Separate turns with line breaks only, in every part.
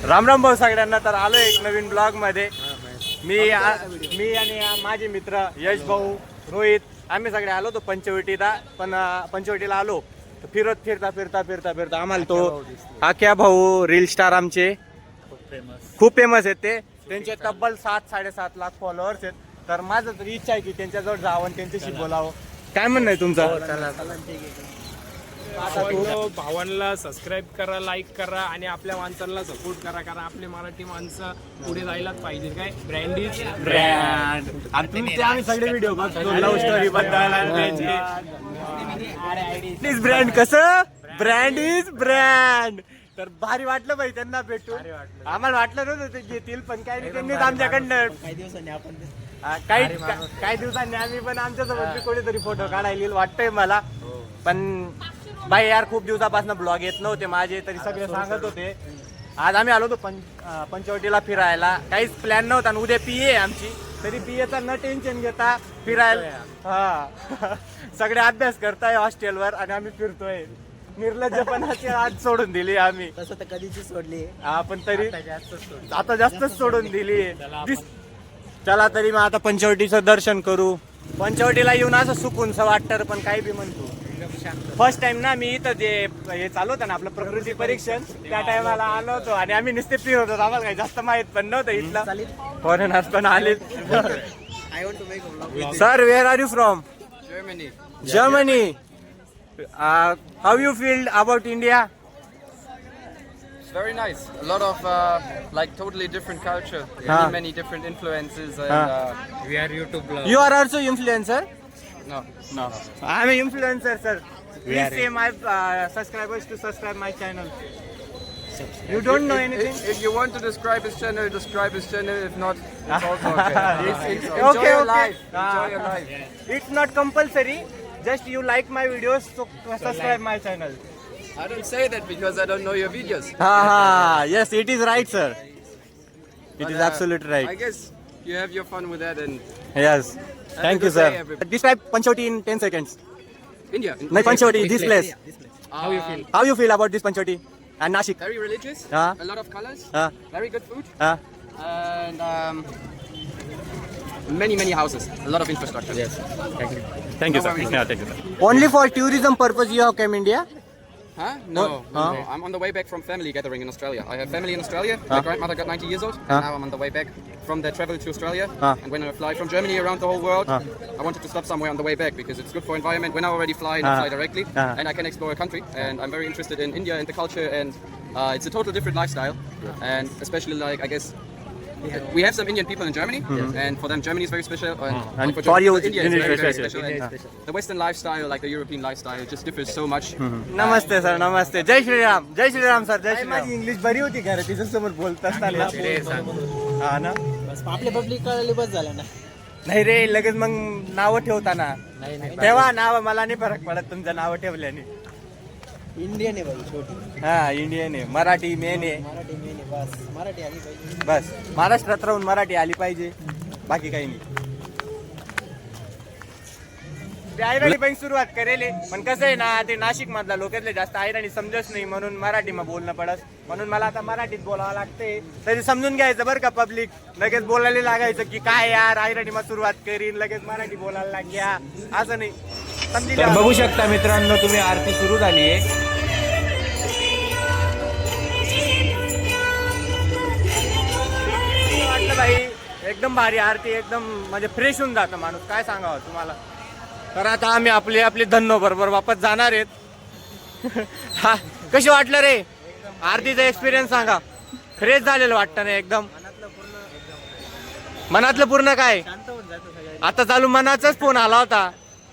राम राम भाऊ सगळ्यांना. तर आलो एक नवीन ब्लॉग मध्ये. मी आणि माझे मित्र यश भाऊ, रोहित, आम्ही सगळे आलो तो पंचवटीला. पण पंचवटीला आलो तर फिरता आम्हाला तो आख्या भाऊ रील स्टार आमचे खूप फेमस आहेत. त्यांचे तब्बल 7-7.5 लाख फॉलोअर्स आहेत. तर माझं तर इच्छा आहे की त्यांच्याजवळ जावं आणि त्यांच्याशी बोलावं. काय म्हणणं आहे तुमचं?
भावांना सबस्क्राईब करा, लाईक करा आणि आपल्या माणसांना सपोर्ट करा. कारण आपले मराठी माणसं पुढे जायलाच पाहिजे. काय ब्रँड इज
ब्रँड. आम्ही सगळे व्हिडिओ बघतो लव्ह स्टोरी बद्दल. इज ब्रँड कसं ब्रँड इज ब्रँड. तर भारी वाटलं भाई त्यांना भेटून. आम्हाला वाटलं नव्हतं ते घेतील, पण काय नाही, त्यांनीच आमच्याकडनं काही दिवसांनी आम्ही पण आमच्यासोबत कोणीतरी फोटो काढायला वाटतंय मला. पण बाई यार खूप दिवसापासून ब्लॉग येत नव्हते माझे, तरी सगळे सांगत होते. आज आम्ही आलो होतो पंचवटीला फिरायला. काहीच प्लॅन नव्हता आणि उद्या पीए आमची. तरी पीएचा न टेन्शन घेता फिरायला. हा सगळे अभ्यास करताय हॉस्टेलवर आणि आम्ही फिरतोय. निर्लज्जपणाची आज सोडून दिली आम्ही.
तसं तर कधीची सोडली.
हा पण तरी आता जास्तच सोडून दिली. चला तरी मग आता पंचवटीचं दर्शन करू. पंचवटीला येऊन असं सुकूनच वाटतं. पण काही बी म्हणतो फर्स्ट टाइम ना मी इथं जे हे चालू होतं ना आपलं प्रकृती परीक्षण, त्या टायमाला आलो होतो आणि आम्ही नुसते फिरत होतो. आम्हाला काही जास्त माहित पण नव्हतं इथलं. फॉरेनर्स पण आले. Sir where are you from? Germany. How you feel about India?
It's very nice. A lot of like totally different culture, many different influences, and
we are YouTube blog.
You are also influencer?
no.
I'm an influencer, sir. Please say my subscribers to subscribe my channel. You don't know anything?
If you want to describe his channel, describe his channel. If not, it's also okay. Enjoy
Okay,
your
okay.
life. Enjoy your life.
It's not compulsory. Just you like my videos, so subscribe my channel.
I don't say that because I don't know your videos.
Yes, it is right, sir. It
But,
is absolutely
I
right.
guess you have your fun with that. And
Yes.
a
Thank you,
good
sir.
day, everybody.
Describe Panchoti in 10 seconds.
India.
No, Panchoti, this place.
How you feel?
How you feel about this Panchoti and Nashik?
Very religious.
Ah.
A lot of colors.
Ah.
Very good food.
Uh,
And many houses. A lot of infrastructure. Yes.
Thank you,
No
sir.
worries.
Yeah, thank you, sir. Only for tourism purpose you have came India?
Huh? No,
Huh?
no. I'm on the way back from family gathering in Australia. I have family in Australia. My grandmother got 90 years old, and now I'm on the way back from their travel to Australia. And when I fly from Germany around the whole world, I wanted to stop somewhere on the way back because it's good for environment. When I already fly, I fly directly, and I can explore a country. And I'm very interested in India and the culture, and it's a total different lifestyle. And especially like I guess. We have some Indian people in Germany, and for them Germany is very special, and
for you,
India is very, very
special.
special. And the Western lifestyle, like the European lifestyle, just differs so much.
नमस्ते sir, नमस्ते. जय श्रीराम. जय Shriram sir. जय श्रीराम. माझी English बरी होती का रे? तिच्या समोर बोलत असताना. हा ना.
बस आपले पब्लिक कळली बस झालं ना.
नाही रे, लगेच मग नावं ठेवताना तेव्हा नाव मला नाही फरक पडत तुमचं नाव ठेवल्याने.
इंडियन आहे भाई छोटी.
हा इंडियन आहे, मराठी मेन आहे.
मराठी मेन आहे. बस मराठी आली पाहिजे.
बस महाराष्ट्रात राहून मराठी आली पाहिजे, बाकी काही नाही. ते आयराणी पण सुरुवात करेल, पण कसं आहे ना, ते नाशिक मधला लोकांना जास्त आयराणी समजत नाही, म्हणून मराठी मग बोलणं पडत. म्हणून मला आता मराठीत बोलावं लागते. तरी समजून घ्यायचं बरं का पब्लिक. लगेच बोलायला लागायचं की काय यार आयराणी मग सुरुवात करीन, लगेच मराठी बोलायला लागल्या, असं नाही. तर बघू शकता मित्रांनो तुम्ही, आरती सुरू झाली आहे. वाटलं भाई एकदम भारी आरती, एकदम म्हणजे फ्रेश होऊन जातं माणूस. काय सांगावं तुम्हाला. तर आता आम्ही आपले धन्नो बरोबर वापस जाणार आहेत. हा कशी वाटलं रे आरतीचा एक्सपिरियन्स सांगा. फ्रेश झालेलं वाटतं ना एकदम. मनातलं पूर्ण काय आता चालू मनाचाच फोन आला होता.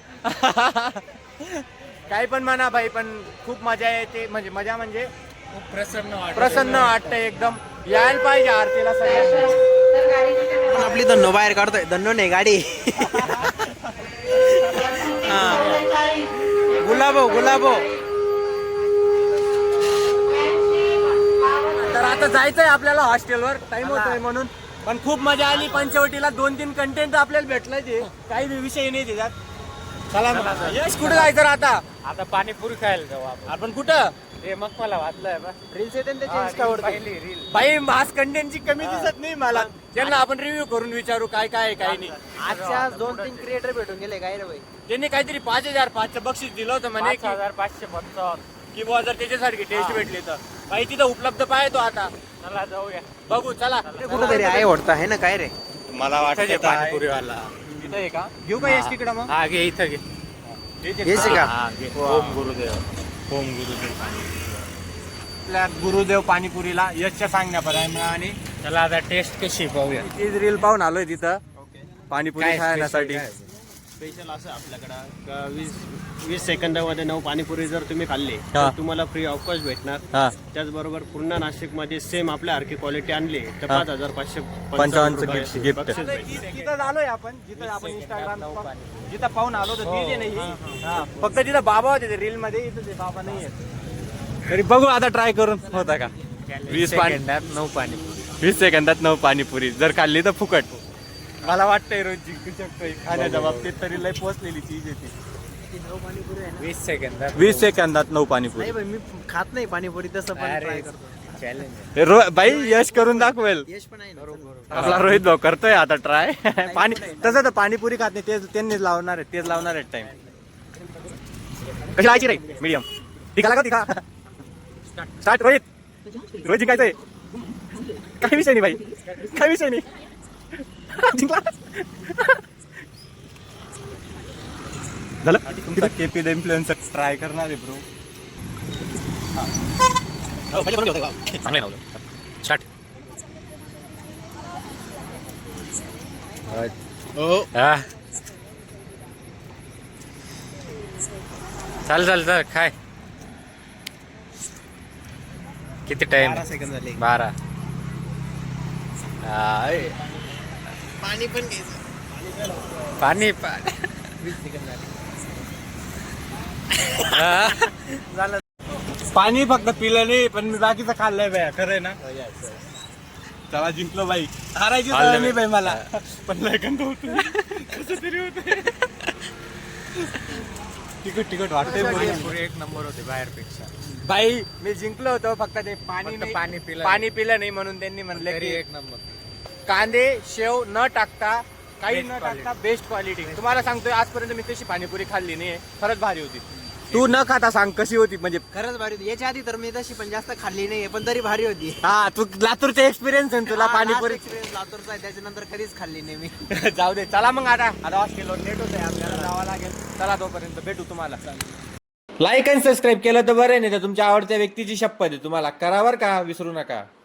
काही पण म्हणा भाई, पण खूप मजा येते. म्हणजे प्रसन्न वाटतं एकदम. यायला पाहिजे आरतीला सगळ्यांना.
आपली धन्नो बाहेर काढतोय. धन्नो नाही गाडी. गुलाबो.
तर आता जायचंय आपल्याला हॉस्टेलवर, टाइम होतोय म्हणून. पण खूप मजा आली पंचवटीला. 2-3 कंटेंट आपल्याला भेटलं, ते काही विषय नाही त्याच्यात. चला यश कुठे जायचं आता?
आता पाणीपुरी खायला जाऊ आपण.
कुठं? हे मग मला वाटलंय बा.
रील्स येते ना त्याचे
हा,
इंस्टावरती.
पहिली रील. बाई मास कंटेंटची कमी दिसत नाही मला. त्यांना आपण रिव्ह्यू करून विचारू काय काय आहे, काय नाही.
आजच्या 2-3 क्रिएटर भेटून गेले काय रे भाई.
त्यांनी काहीतरी 5,500 बक्षीस दिलं होतं म्हणे की
5,555.
की बुवा जर त्याच्यासारखी टेस्ट भेटली तर काही तिथं उपलब्ध पाहतो आता.
चला जाऊया.
बघू चला.
कुठंतरी आहे वाटतं आहे ना काय रे.
मला वाटतं पाणीपुरीवाला इथं आहे का? घेऊ का यश तिकडं मग?
हा घे इथं घे.
हेच आहे का?
हा, घे. ओम गुरुदेव. ओम गुरुदेव. आपल्या गुरुदेव पाणीपुरीला यशच्या सांगण्यापर्यंत आणि
चला आता टेस्ट कशी पाहूया.
तीच रील पाहून आलोय तिथं पाणीपुरी
काय
खाण्यासाठी.
स्पेशल असं आपल्याकडं 20 सेकंदामध्ये 9 पाणीपुरी जर तुम्ही खाल्ली
हा.
तर तुम्हाला फ्री ऑफ कॉस्ट भेटणार.
हा.
त्याचबरोबर पूर्ण नाशिकमध्ये सेम आपल्या सारखी क्वालिटी आणली तर
हा.
5,555
रुपयाची
रुपयाची
gift.
बक्षीस भेटते.
तिथं आलोय आपण जिथं आपण इंस्टाग्राम जिथं पाहून आलो तर तिथे नाही. हा, फक्त तिथं बाबा होते ते रील मध्ये, इथं ते बाबा नाही आहेत. तरी बघू आता ट्राय करून होता का. 20 सेकंदात 9 पाणीपुरी जर खाल्ली तर फुकट. मला वाटतंय रोज जिंकू शकतोय खाण्याच्या बाबतीत, तरी लय पोहोचलेली चीज येते.
20 सेकंदात
20 सेकंदात 9 पाणीपुरी.
नाही भाई मी खात नाही पाणीपुरी तसं पण try करतो.
चॅलेंज.
बाई यश करून दाखवेल.
यश पण आहे ना.
आपला रोहित भाऊ करतोय आता ट्राय. पाणी तसं तर पाणीपुरी खात नाही, तेच त्यांनीच लावणार आहे, तेच लावणार आहे टाइम. कशी लावायची रे मीडियम तिका तिका स्टार्ट. रोहित जिंकायचंय. काही विषय नाही भाई, काही विषय नाही. जिंकला झालं. तुमचं केपी द इन्फ्लुएन्सर ट्राय करणार आहे ब्रो.
चांगले नव्हतं. स्टार्ट. हा. चाल काय किती टाइम?
12 सेकंद झाले.
12.
पाणी पण घ्यायचं.
पाणी
20 सेकंद झाले.
झालं.
पाणी फक्त पिलं नाही पण मी बाकीचं खाल्लंय बाया. खरं आहे ना. चला जिंकलो बाई. हारायची सवय नाही बाई मला, पण लय गंध होत कसं तरी होत. तिकट वाटतंय
पाणीपुरी एक नंबर होते बाहेरपेक्षा.
बाई. मी जिंकलो होतो फक्त ते पाणी नाही-
पाणी पिलं
पाणी पिलं नाही म्हणून त्यांनी म्हणलं
तरी
की
एक नंबर.
कांदे शेव न टाकता, काही
Best
न
quality.
टाकता बेस्ट क्वालिटी. तुम्हाला सांगतोय आजपर्यंत मी तशी पाणीपुरी खाल्ली नाही, खरंच भारी होती. तू न खाता सांग कशी होती. म्हणजे
खरंच भारी होती. याच्या आधी तर मी तशी पण जास्त खाल्ली नाहीये पण तरी भारी होती.
हा तू लातूरचा एक्सपिरियन्स आहे तुला
हा,
पाणीपुरी.
last experience लातूरचा आहे, त्याच्यानंतर कधीच खाल्ली नाही मी.
जाऊ दे. चला मग आता हॉस्टेलवर लेट होत आहे, आपल्याला जावं लागेल. चला तोपर्यंत भेटू तुम्हाला. लाईक आणि सबस्क्राईब केलं तर बरं नाही तर तुमच्या आवडत्या व्यक्तीची शपथ आहे, तुम्हाला करावर का विसरू नका.